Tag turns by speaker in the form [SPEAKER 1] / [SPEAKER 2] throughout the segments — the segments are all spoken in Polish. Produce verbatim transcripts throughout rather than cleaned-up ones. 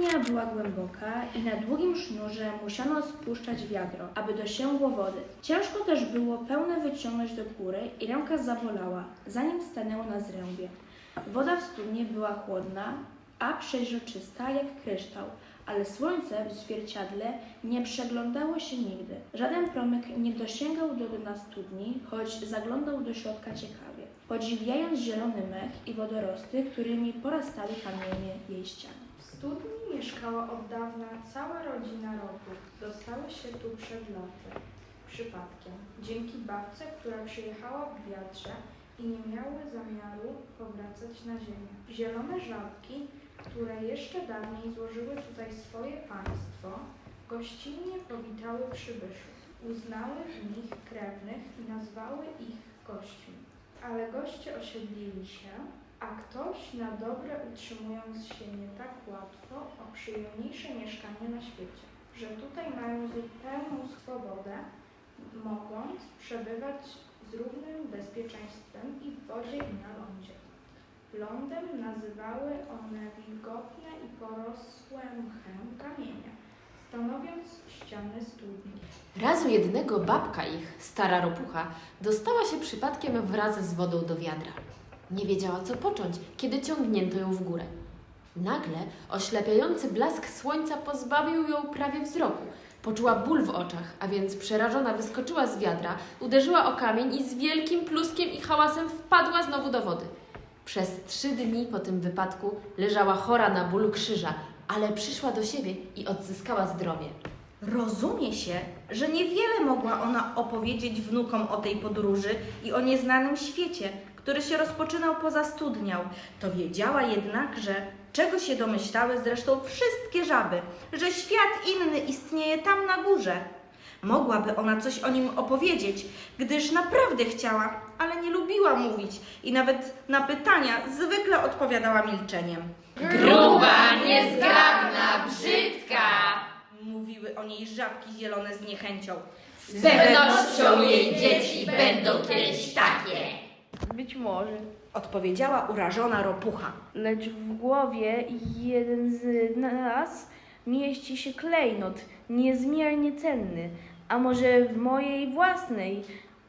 [SPEAKER 1] Studnia była głęboka i na długim sznurze musiano spuszczać wiadro, aby dosięgło wody. Ciężko też było pełne wyciągnąć do góry i ręka zabolała, zanim stanęło na zrębie. Woda w studni była chłodna, a przeźroczysta jak kryształ, ale słońce w zwierciadle nie przeglądało się nigdy. Żaden promyk nie dosięgał do dna studni, choć zaglądał do środka ciekawie, podziwiając zielony mech i wodorosty, którymi porastały kamienie jej ścian.
[SPEAKER 2] W studni mieszkała od dawna cała rodzina Ropów. Dostały się tu przed latem, przypadkiem, dzięki babce, która przyjechała w wiatrze i nie miały zamiaru powracać na ziemię. Zielone żabki, które jeszcze dawniej złożyły tutaj swoje państwo, gościnnie powitały przybyszów. Uznały w nich krewnych i nazwały ich gośćmi. Ale goście osiedlili się, a ktoś na dobre, utrzymując się nie tak łatwo, o przyjemniejsze mieszkanie na świecie, że tutaj mają zupełną swobodę, mogąc przebywać z równym bezpieczeństwem i w wodzie, i na lądzie. Lądem nazywały one wilgotne i porosłe mchem kamienia, stanowiąc ściany studni.
[SPEAKER 3] Razu jednego babka ich, stara ropucha, dostała się przypadkiem wraz z wodą do wiadra. Nie wiedziała, co począć, kiedy ciągnięto ją w górę. Nagle oślepiający blask słońca pozbawił ją prawie wzroku. Poczuła ból w oczach, a więc przerażona wyskoczyła z wiadra, uderzyła o kamień i z wielkim pluskiem i hałasem wpadła znowu do wody. Przez trzy dni po tym wypadku leżała chora na ból krzyża, ale przyszła do siebie i odzyskała zdrowie.
[SPEAKER 4] Rozumie się, że niewiele mogła ona opowiedzieć wnukom o tej podróży i o nieznanym świecie, który się rozpoczynał poza studnią. To wiedziała jednak, że czego się domyślały zresztą wszystkie żaby, że świat inny istnieje tam na górze. Mogłaby ona coś o nim opowiedzieć, gdyż naprawdę chciała, ale nie lubiła mówić i nawet na pytania zwykle odpowiadała milczeniem.
[SPEAKER 5] Gruba, niezgrabna, brzydka!
[SPEAKER 4] Mówiły o niej żabki zielone z niechęcią.
[SPEAKER 5] Z pewnością jej dzieci będą kiedyś takie.
[SPEAKER 6] Być może,
[SPEAKER 4] Odpowiedziała urażona ropucha.
[SPEAKER 6] lecz w głowie jeden z nas mieści się klejnot niezmiernie cenny, a może w mojej własnej,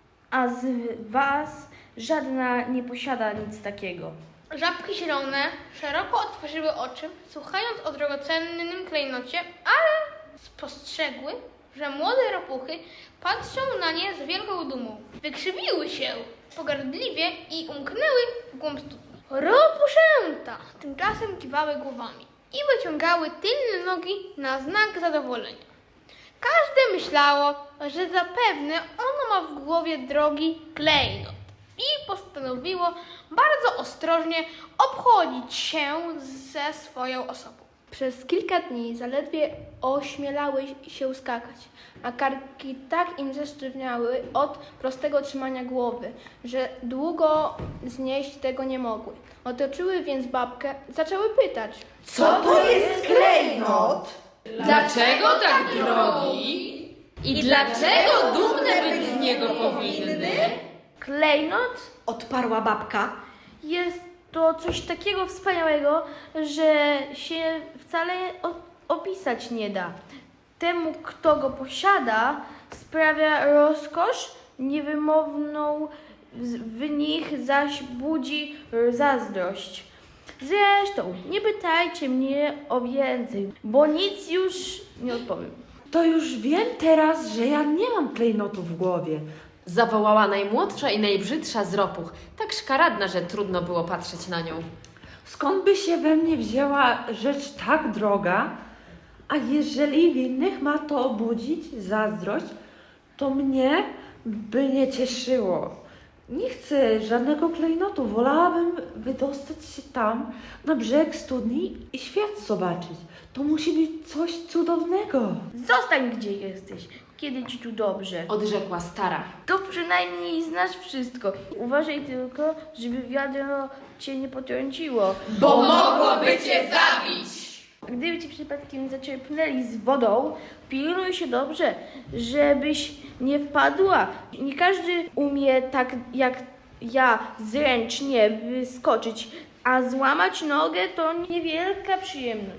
[SPEAKER 6] a z was żadna nie posiada nic takiego.
[SPEAKER 7] Żabki zielone szeroko otworzyły oczy, słuchając o drogocennym klejnocie, ale spostrzegły, że młode ropuchy patrzą na nie z wielką dumą. Wykrzywiły się pogardliwie i umknęły w głąb studni. Ropuszęta tymczasem kiwały głowami i wyciągały tylne nogi na znak zadowolenia. Każde myślało, że zapewne ono ma w głowie drogi klejnot i postanowiło bardzo ostrożnie obchodzić się ze swoją osobą.
[SPEAKER 1] Przez kilka dni zaledwie ośmielały się skakać, a karki tak im zesztywniały od prostego trzymania głowy, że długo znieść tego nie mogły. Otoczyły więc babkę, zaczęły pytać.
[SPEAKER 4] Co to jest klejnot?
[SPEAKER 5] Dlaczego tak drogi? I dlaczego dumne być z niego powinny?
[SPEAKER 6] Klejnot
[SPEAKER 4] Odparła babka.
[SPEAKER 6] jest to coś takiego wspaniałego, że się wcale o- opisać nie da. Temu, kto go posiada, sprawia rozkosz niewymowną, z- w nich zaś budzi zazdrość. Zresztą, nie pytajcie mnie o więcej, bo nic już nie odpowiem.
[SPEAKER 8] To już wiem teraz, że ja nie mam klejnotu w głowie.
[SPEAKER 3] Zawołała najmłodsza i najbrzydsza z ropuch, tak szkaradna, że trudno było patrzeć na nią.
[SPEAKER 8] Skąd by się we mnie wzięła rzecz tak droga? A jeżeli w innych ma to obudzić zazdrość, to mnie by nie cieszyło. Nie chcę żadnego klejnotu. Wolałabym wydostać się tam, na brzeg studni i świat zobaczyć. To musi być coś cudownego.
[SPEAKER 6] Zostań gdzie jesteś, kiedy ci tu dobrze.
[SPEAKER 3] Odrzekła stara.
[SPEAKER 6] To przynajmniej znasz wszystko. Uważaj tylko, żeby wiadro cię nie potrąciło.
[SPEAKER 5] Bo mogłoby cię zabić!
[SPEAKER 6] A gdyby ci przypadkiem zaczerpnęli z wodą, pilnuj się dobrze, żebyś nie wpadła. Nie każdy umie tak jak ja zręcznie wyskoczyć, a złamać nogę to niewielka przyjemność.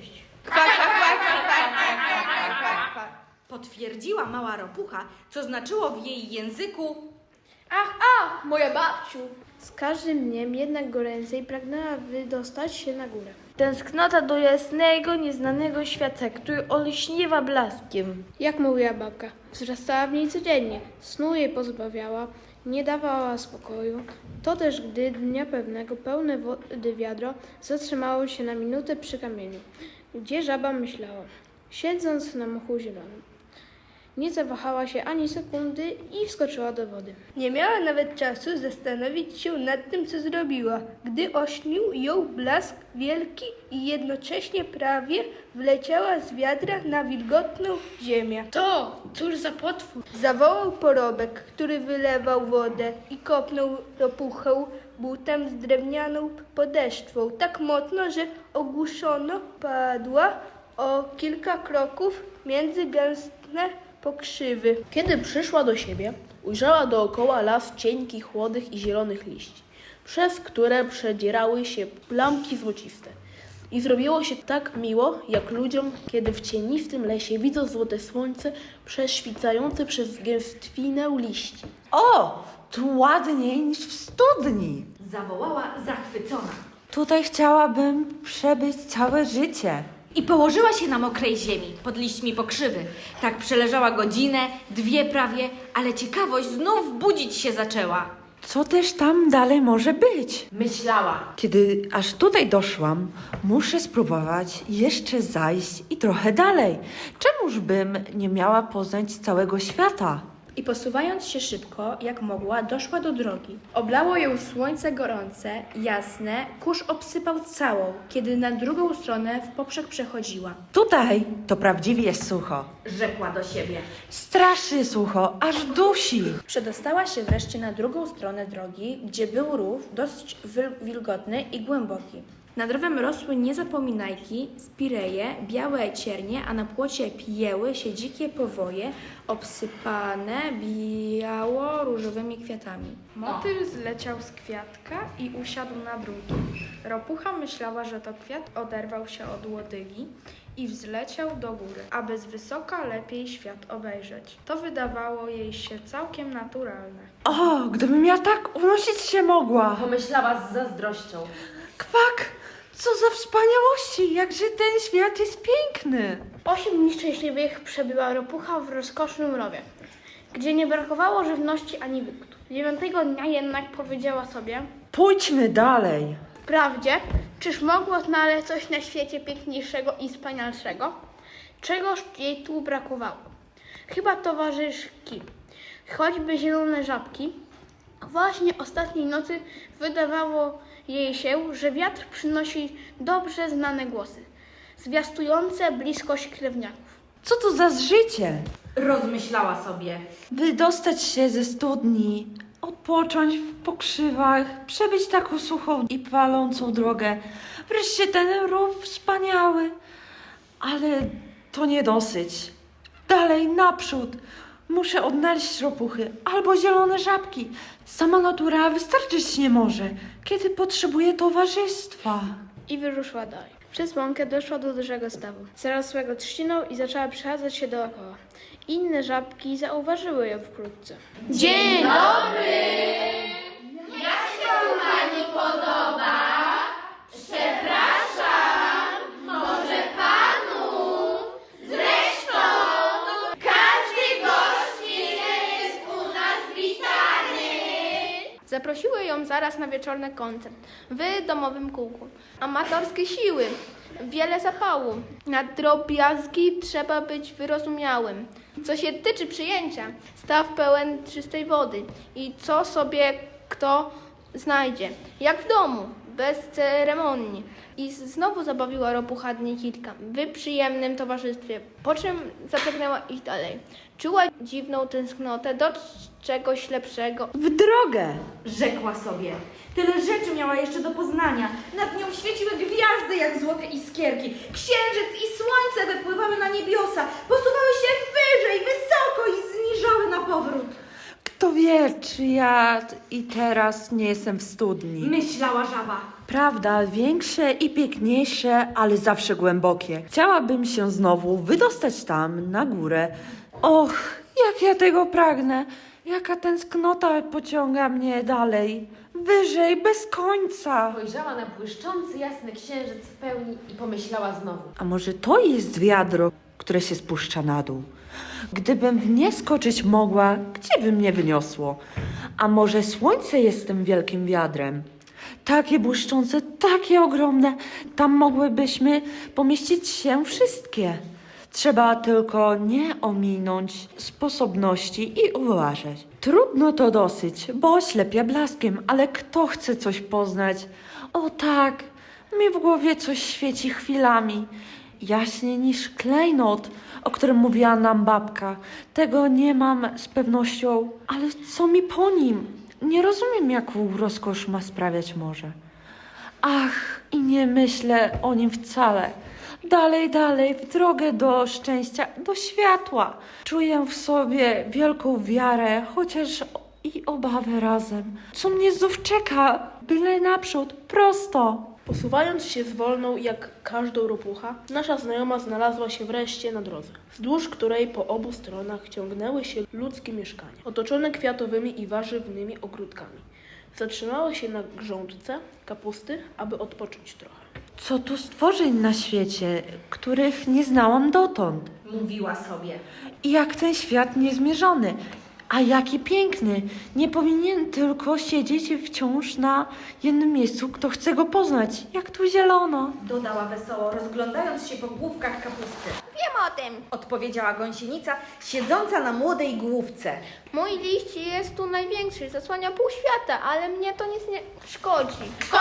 [SPEAKER 6] Kwa, kwa, kwa, kwa, kwa, kwa, kwa, kwa, kwa.
[SPEAKER 4] Potwierdziła mała ropucha, co znaczyło w jej języku:
[SPEAKER 7] Ach, ach, moja babciu.
[SPEAKER 6] Z każdym dniem jednak goręcej pragnęła wydostać się na górę. Tęsknota do jasnego, nieznanego świata, który olśniewa blaskiem.
[SPEAKER 7] Jak mówiła babka, wzrastała w niej codziennie, snu jej pozbawiała, nie dawała spokoju. To też gdy dnia pewnego pełne wody wiadro zatrzymało się na minutę przy kamieniu, gdzie żaba myślała, siedząc na mochu zielonym. Nie zawahała się ani sekundy i wskoczyła do wody.
[SPEAKER 9] Nie miała nawet czasu zastanowić się nad tym, co zrobiła, gdy ośnił ją blask wielki i jednocześnie prawie wleciała z wiadra na wilgotną ziemię.
[SPEAKER 7] To, cóż za potwór.
[SPEAKER 9] Zawołał porobek, który wylewał wodę i kopnął ropuchę butem z drewnianą podeszwą tak mocno, że ogłuszona padła o kilka kroków między gęste pokrzywy.
[SPEAKER 10] Kiedy przyszła do siebie, ujrzała dookoła las cienkich, chłodych i zielonych liści, przez które przedzierały się plamki złociste. I zrobiło się tak miło, jak ludziom, kiedy w cienistym lesie widzą złote słońce prześwicające przez gęstwinę liści.
[SPEAKER 8] O, tu ładniej niż w studni.
[SPEAKER 4] zawołała zachwycona.
[SPEAKER 8] Tutaj chciałabym przebyć całe życie.
[SPEAKER 4] I położyła się na mokrej ziemi, pod liśćmi pokrzywy. Tak przeleżała godzinę, dwie prawie, ale ciekawość znów budzić się zaczęła.
[SPEAKER 8] Co też tam dalej może być?
[SPEAKER 3] Myślała.
[SPEAKER 8] Kiedy aż tutaj doszłam, muszę spróbować jeszcze zajść i trochę dalej. Czemuż bym nie miała poznać całego świata?
[SPEAKER 1] I posuwając się szybko, jak mogła, doszła do drogi. Oblało ją słońce gorące, jasne, kurz obsypał całą, kiedy na drugą stronę w poprzek przechodziła.
[SPEAKER 8] Tutaj to prawdziwie sucho.
[SPEAKER 4] Rzekła do siebie.
[SPEAKER 8] Straszy sucho, aż dusi.
[SPEAKER 1] Przedostała się wreszcie na drugą stronę drogi, gdzie był rów dość wil- wilgotny i głęboki. Nad rowem rosły niezapominajki, spireje, białe ciernie, a na płocie pijeły się dzikie powoje, obsypane biało-różowymi kwiatami.
[SPEAKER 2] Motyl zleciał z kwiatka i usiadł na drugim. Ropucha myślała, że to kwiat oderwał się od łodygi i wzleciał do góry, aby z wysoka lepiej świat obejrzeć. To wydawało jej się całkiem naturalne.
[SPEAKER 8] O, gdybym ja tak unosić się mogła.
[SPEAKER 3] Pomyślała z zazdrością.
[SPEAKER 8] Kwak, co za wspaniałości, jakże ten świat jest piękny.
[SPEAKER 7] Osiem dni szczęśliwych przebyła ropucha w rozkosznym rowie, gdzie nie brakowało żywności ani wygód. Dziewiątego dnia jednak powiedziała sobie:
[SPEAKER 8] Pójdźmy dalej.
[SPEAKER 7] wprawdzie, czyż mogło znaleźć coś na świecie piękniejszego i wspanialszego? Czegoż jej tu brakowało? Chyba towarzyszki, choćby zielone żabki. Właśnie ostatniej nocy wydawało jej się, że wiatr przynosi dobrze znane głosy, zwiastujące bliskość krewniaków.
[SPEAKER 8] Co to za życie?
[SPEAKER 4] Rozmyślała sobie.
[SPEAKER 8] Wydostać się ze studni, odpocząć w pokrzywach, przebyć taką suchą i palącą drogę. Wreszcie ten rów wspaniały. Ale to nie dosyć. Dalej, naprzód. Muszę odnaleźć ropuchy albo zielone żabki. Sama natura wystarczyć nie może, kiedy potrzebuje towarzystwa.
[SPEAKER 7] I wyruszyła dalej. Przez łąkę doszła do dużego stawu, zarosłego trzciną i zaczęła przechadzać się dookoła. Inne żabki zauważyły ją wkrótce. Dzień dobry! Jak się tu pani podoba? Przepraszam, może panu? Zresztą każdy gość jest u nas witany.
[SPEAKER 6] Zaprosiły ją zaraz na wieczorny koncert w domowym kółku. Amatorskie siły, wiele zapału. Na drobiazgi trzeba być wyrozumiałym. Co się tyczy przyjęcia, staw pełen czystej wody i co sobie kto znajdzie, jak w domu, bez ceremonii. I znowu zabawiła ropucha dni kilka w przyjemnym towarzystwie, po czym zapragnęła iść dalej. Czuła dziwną tęsknotę do czegoś lepszego.
[SPEAKER 8] W drogę!
[SPEAKER 4] Rzekła sobie. Tyle rzeczy miała jeszcze do poznania. Nad nią świeciły gwiazdy jak złote iskierki. Księżyc i słońce wypływały na niebiosa. Posuwały się wyżej, wysoko i zniżały na powrót.
[SPEAKER 8] Kto wie, czy ja i teraz nie jestem w studni.
[SPEAKER 4] Myślała żaba.
[SPEAKER 8] Prawda, większe i piękniejsze, ale zawsze głębokie. Chciałabym się znowu wydostać tam, na górę. Och, jak ja tego pragnę. Jaka tęsknota pociąga mnie dalej. Wyżej, bez końca.
[SPEAKER 3] Spojrzała na błyszczący jasny księżyc w pełni i pomyślała znowu.
[SPEAKER 8] A może to jest wiadro, które się spuszcza na dół? Gdybym w nie skoczyć mogła, gdzie by mnie wyniosło? A może słońce jest tym wielkim wiadrem? Takie błyszczące, takie ogromne, tam mogłybyśmy pomieścić się wszystkie. Trzeba tylko nie ominąć sposobności i uważać. Trudno to dosyć, bo oślepia blaskiem, ale kto chce coś poznać? O tak, mi w głowie coś świeci chwilami. Jaśniej niż klejnot, o którym mówiła nam babka. Tego nie mam z pewnością, ale co mi po nim? Nie rozumiem, jaką rozkosz ma sprawiać morze. Ach, i nie myślę o nim wcale. Dalej, dalej, w drogę do szczęścia, do światła. Czuję w sobie wielką wiarę, chociaż i obawę razem. Co mnie znów czeka? Byle naprzód, prosto.
[SPEAKER 10] Posuwając się zwolną jak każdą ropucha, nasza znajoma znalazła się wreszcie na drodze, wzdłuż której po obu stronach ciągnęły się ludzkie mieszkania, otoczone kwiatowymi i warzywnymi ogródkami. Zatrzymała się na grządce kapusty, aby odpocząć trochę.
[SPEAKER 8] Co tu stworzeń na świecie, których nie znałam dotąd?
[SPEAKER 4] Mówiła sobie.
[SPEAKER 8] I jak ten świat niezmierzony. A jaki piękny! Nie powinien tylko siedzieć wciąż na jednym miejscu, kto chce go poznać. Jak tu zielono.
[SPEAKER 4] Dodała wesoło, rozglądając się po główkach kapusty.
[SPEAKER 7] Wiem o tym.
[SPEAKER 4] Odpowiedziała gąsienica, siedząca na młodej główce.
[SPEAKER 7] Mój liść jest tu największy, zasłania pół świata, ale mnie to nic nie szkodzi.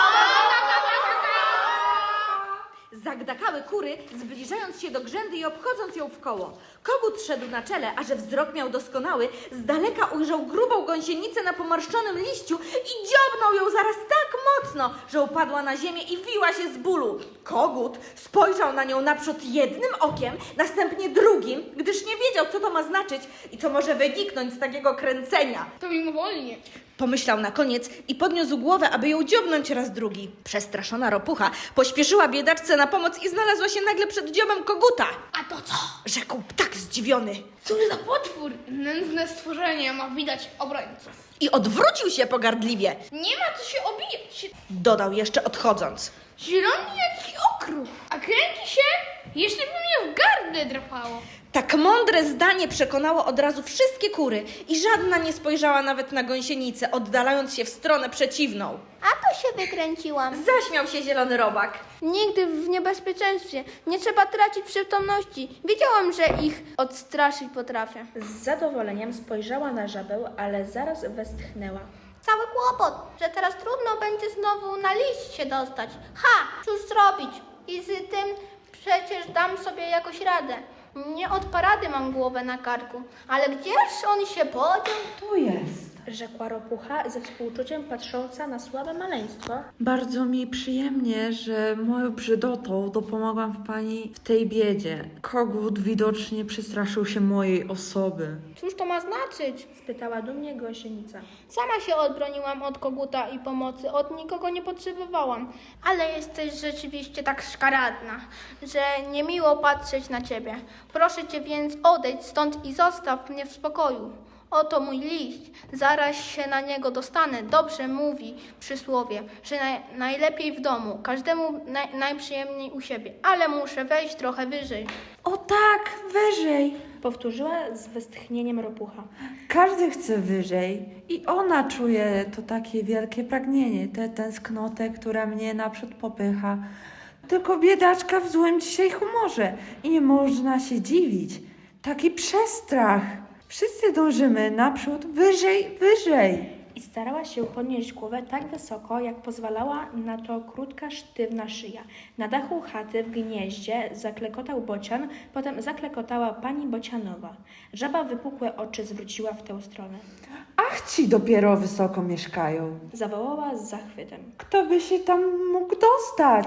[SPEAKER 4] Zagdakały kury, zbliżając się do grzędy i obchodząc ją w koło. Kogut szedł na czele, a że wzrok miał doskonały, z daleka ujrzał grubą gąsienicę na pomarszczonym liściu i dziobnął ją zaraz tak mocno, że upadła na ziemię i wiła się z bólu. Kogut spojrzał na nią naprzód jednym okiem, następnie drugim, gdyż nie wiedział, co to ma znaczyć i co może wyniknąć z takiego kręcenia.
[SPEAKER 7] To mimowolnie.
[SPEAKER 4] Pomyślał na koniec i podniósł głowę, aby ją dziobnąć raz drugi. Przestraszona ropucha pośpieszyła biedaczce na pomoc i znalazła się nagle przed dziobem koguta.
[SPEAKER 7] A to co?
[SPEAKER 4] Rzekł tak zdziwiony.
[SPEAKER 7] Cóż za potwór? Nędzne stworzenie ma widać obrońców.
[SPEAKER 4] I odwrócił się pogardliwie.
[SPEAKER 7] Nie ma co się obijać.
[SPEAKER 4] Dodał jeszcze odchodząc.
[SPEAKER 7] Zielony jak okruch, a kręci się, jeszcze by mnie w gardle drapało.
[SPEAKER 4] Tak mądre zdanie przekonało od razu wszystkie kury i żadna nie spojrzała nawet na gąsienicę, oddalając się w stronę przeciwną.
[SPEAKER 7] A to się wykręciłam.
[SPEAKER 4] Zaśmiał się zielony robak.
[SPEAKER 6] Nigdy w niebezpieczeństwie. Nie trzeba tracić przytomności. Wiedziałam, że ich odstraszyć potrafię.
[SPEAKER 1] Z zadowoleniem spojrzała na żabę, ale zaraz westchnęła.
[SPEAKER 7] Cały kłopot, że teraz trudno będzie znowu na liść się dostać. Ha, cóż zrobić? I z tym przecież dam sobie jakoś radę. Nie od parady mam głowę na karku, ale gdzież on się podział?
[SPEAKER 8] Tu jest.
[SPEAKER 1] Rzekła ropucha ze współczuciem patrząca na słabe maleństwo.
[SPEAKER 8] Bardzo mi przyjemnie, że moją brzydotą dopomagłam w pani w tej biedzie. Kogut widocznie przestraszył się mojej osoby.
[SPEAKER 6] Cóż to ma znaczyć?
[SPEAKER 1] Spytała dumnie gąsienica.
[SPEAKER 6] Sama się odbroniłam od koguta i pomocy, od nikogo nie potrzebowałam. Ale jesteś rzeczywiście tak szkaradna, że niemiło patrzeć na ciebie. Proszę cię więc odejdź stąd i zostaw mnie w spokoju. Oto mój liść, zaraz się na niego dostanę. Dobrze mówi przysłowie, że naj, najlepiej w domu, każdemu naj, najprzyjemniej u siebie, ale muszę wejść trochę wyżej.
[SPEAKER 8] O tak, wyżej.
[SPEAKER 1] Powtórzyła z westchnieniem ropucha.
[SPEAKER 8] Każdy chce wyżej i ona czuje to takie wielkie pragnienie, tę tęsknotę, która mnie naprzód popycha. Tylko biedaczka w złym dzisiaj humorze i nie można się dziwić. Taki przestrach. Wszyscy dążymy naprzód, wyżej, wyżej.
[SPEAKER 1] I starała się podnieść głowę tak wysoko, jak pozwalała na to krótka, sztywna szyja. Na dachu chaty w gnieździe zaklekotał bocian, potem zaklekotała pani bocianowa. Żaba wypukłe oczy zwróciła w tę stronę.
[SPEAKER 8] Ach, ci dopiero wysoko mieszkają.
[SPEAKER 1] Zawołała z zachwytem.
[SPEAKER 8] Kto by się tam mógł dostać?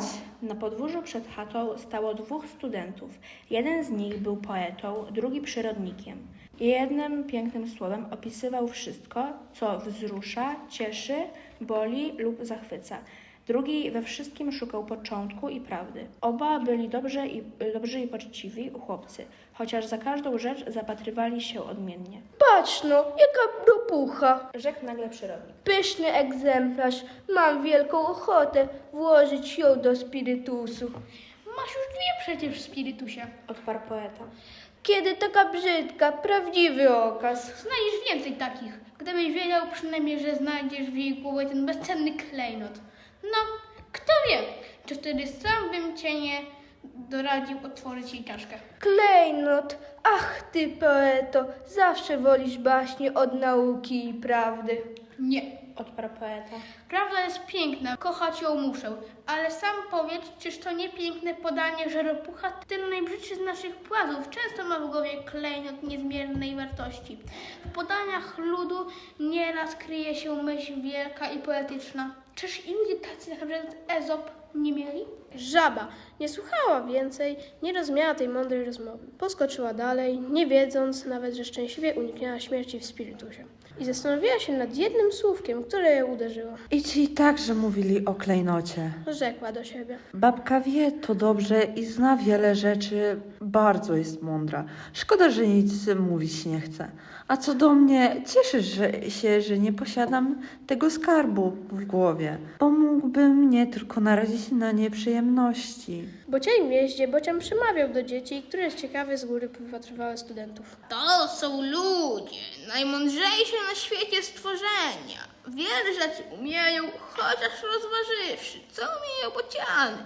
[SPEAKER 1] Na podwórzu przed chatą stało dwóch studentów. Jeden z nich był poetą, drugi przyrodnikiem. Jednym pięknym słowem opisywał wszystko, co wzrusza, cieszy, boli lub zachwyca. Drugi we wszystkim szukał początku i prawdy. Oba byli dobrze i, dobrzy i poczciwi chłopcy, chociaż za każdą rzecz zapatrywali się odmiennie.
[SPEAKER 9] Patrz no, jaka ropucha.
[SPEAKER 1] Rzekł nagle przyrodnik.
[SPEAKER 9] Pyszny egzemplarz. Mam wielką ochotę włożyć ją do spirytusu.
[SPEAKER 7] Masz już dwie przecież w spirytusie.
[SPEAKER 1] Odparł poeta.
[SPEAKER 9] Kiedy taka brzydka, prawdziwy okaz.
[SPEAKER 7] Znajdziesz więcej takich. Gdybyś wiedział przynajmniej, że znajdziesz w jej głowie ten bezcenny klejnot. No, kto wie, czy wtedy sam bym cię nie doradził otworzyć jej czaszkę.
[SPEAKER 9] Klejnot, ach ty poeto, zawsze wolisz baśnie od nauki i prawdy.
[SPEAKER 7] Nie.
[SPEAKER 1] Odparł poeta.
[SPEAKER 7] Prawda jest piękna, kochać ją muszę, ale sam powiedz, czyż to nie piękne podanie, że ropucha, ten najbrzydszy z naszych płazów, często ma w głowie klejnot niezmiernej wartości. W podaniach ludu nieraz kryje się myśl wielka i poetyczna. Czyż i ludzie tacy jak na przykład Ezop nie mieli?
[SPEAKER 10] Żaba nie słuchała więcej, nie rozumiała tej mądrej rozmowy. Poskoczyła dalej, nie wiedząc nawet, że szczęśliwie uniknęła śmierci w spirytusie. I zastanowiła się nad jednym słówkiem, które ją uderzyło.
[SPEAKER 8] I ci także mówili o klejnocie.
[SPEAKER 10] Rzekła do siebie.
[SPEAKER 8] Babka wie to dobrze i zna wiele rzeczy, bardzo jest mądra. Szkoda, że nic mówić nie chce. A co do mnie, cieszę że, się, że nie posiadam tego skarbu w głowie, bo mógłbym mnie tylko narazić na nieprzyjemności.
[SPEAKER 10] Bocian w jeździe, Bocian przemawiał do dzieci, które z ciekawy z góry wypatrywały studentów.
[SPEAKER 7] To są ludzie, najmądrzejsze na świecie stworzenia. Wiele rzeczy umieją, chociaż rozważywszy, co umieją bociany.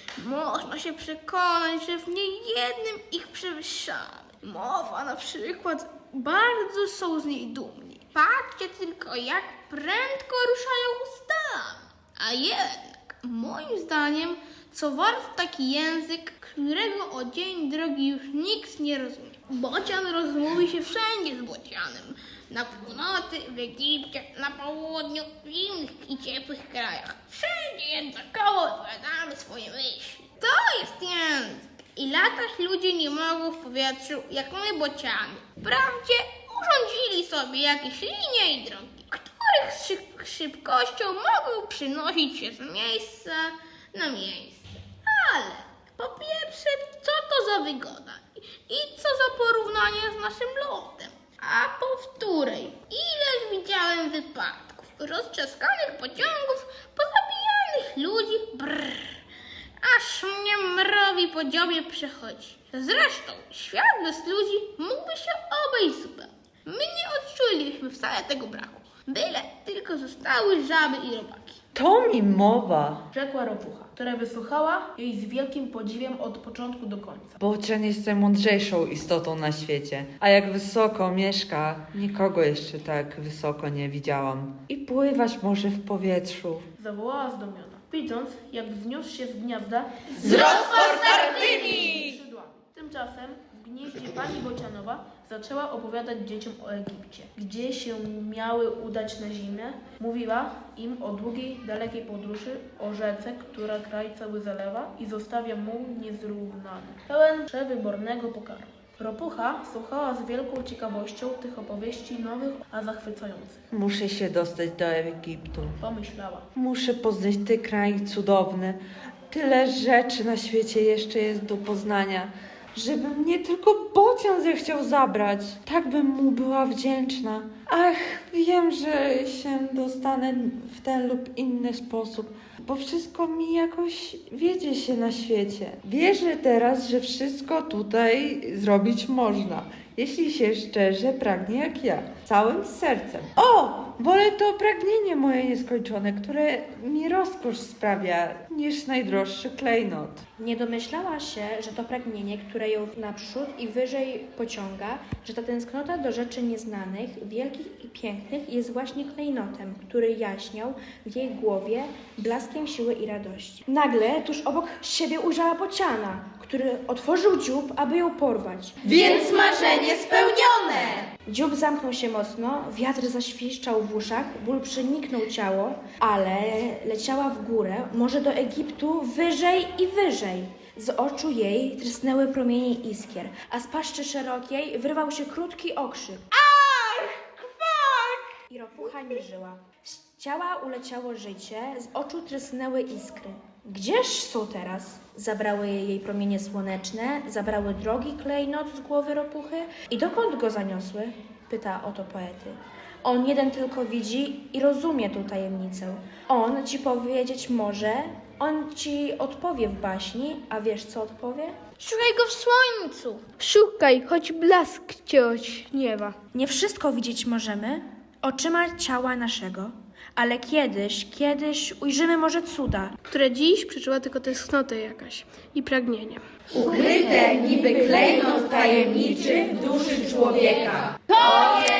[SPEAKER 7] Można się przekonać, że w niejednym ich przewyższamy. Mowa na przykład, bardzo są z niej dumni. Patrzcie tylko, jak prędko ruszają ustami. A jednak, moim zdaniem, co wart taki język, którego o dzień drogi już nikt nie rozumie. Bocian rozmówi się wszędzie z bocianem. Na północy, w Egipcie, na południu, w innych i ciepłych krajach. Wszędzie jednakowo odpowiadamy swoje myśli. To jest język. I latać ludzie nie mogą w powietrzu, jak my bociany. Wprawdzie urządzili sobie jakieś linie i drogi, których z szyb- szybkością mogą przynosić się z miejsca na miejsce. Ale po pierwsze, co to za wygoda i co za porównanie z naszym lotem? A powtórej, ileż widziałem wypadków, roztrzaskanych pociągów, pozabijanych ludzi, brrr, aż mnie mrowi po dziobie przechodzi. Zresztą, świat bez ludzi mógłby się obejść zupełnie. My nie odczuliśmy wcale tego braku, byle tylko zostały żaby i robaki.
[SPEAKER 8] To mi mowa.
[SPEAKER 10] Rzekła ropucha, która wysłuchała jej z wielkim podziwiem od początku do końca.
[SPEAKER 8] Bocian jest najmądrzejszą istotą na świecie, a jak wysoko mieszka, nikogo jeszcze tak wysoko nie widziałam. I pływać może w powietrzu.
[SPEAKER 10] Zawołała zdumiona, widząc, jak wzniósł się z gniazda
[SPEAKER 4] Z rozpostartymi!
[SPEAKER 10] skrzydłami. Tymczasem w gnieździe pani Bocianowa zaczęła opowiadać dzieciom o Egipcie, gdzie się miały udać na zimę. Mówiła im o długiej, dalekiej podróży, o rzece, która kraj cały zalewa i zostawia muł niezrównany, pełen przewybornego pokarmu. Ropucha słuchała z wielką ciekawością tych opowieści nowych, a zachwycających.
[SPEAKER 8] Muszę się dostać do Egiptu.
[SPEAKER 10] Pomyślała.
[SPEAKER 8] Muszę poznać ten kraj cudowny. Tyle rzeczy na świecie jeszcze jest do poznania, żeby mnie tylko Bocian zechciał zabrać. Tak bym mu była wdzięczna. Ach, wiem, że się dostanę w ten lub inny sposób, bo wszystko mi jakoś wiedzie się na świecie. Wierzę teraz, że wszystko tutaj zrobić można, jeśli się szczerze pragnie jak ja, całym sercem. O, wolę to pragnienie moje nieskończone, które mi rozkosz sprawia, niż najdroższy klejnot.
[SPEAKER 1] Nie domyślała się, że to pragnienie, które ją naprzód i wyżej pociąga, że ta tęsknota do rzeczy nieznanych, wielkich i pięknych jest właśnie klejnotem, który jaśniał w jej głowie blaskiem siły i radości. Nagle tuż obok siebie ujrzała bociana, który otworzył dziób, aby ją porwać.
[SPEAKER 4] Więc marzenie marzenie spełnione!
[SPEAKER 1] Dziób zamknął się mocno, wiatr zaświszczał w uszach, ból przeniknął ciało, ale leciała w górę, może do Egiptu, wyżej i wyżej. Z oczu jej trysnęły promienie iskier, a z paszczy szerokiej wyrwał się krótki okrzyk. Ach! Kwak! I ropucha nie żyła. Z ciała uleciało życie, z oczu trysnęły iskry. Gdzież są teraz? Zabrały jej promienie słoneczne, zabrały drogi klejnot z głowy ropuchy i dokąd go zaniosły? Pyta oto poety. On jeden tylko widzi i rozumie tą tajemnicę. On ci powiedzieć może, on ci odpowie w baśni, a wiesz co odpowie?
[SPEAKER 7] Szukaj go w słońcu.
[SPEAKER 9] Szukaj, choć blask cię ośniewa.
[SPEAKER 1] Nie wszystko widzieć możemy oczyma ciała naszego, ale kiedyś, kiedyś ujrzymy może cuda.
[SPEAKER 6] Które dziś przeczuła tylko tęsknotę jakaś i pragnienie.
[SPEAKER 4] Ukryte niby klejnot tajemniczy w duszy człowieka. To jest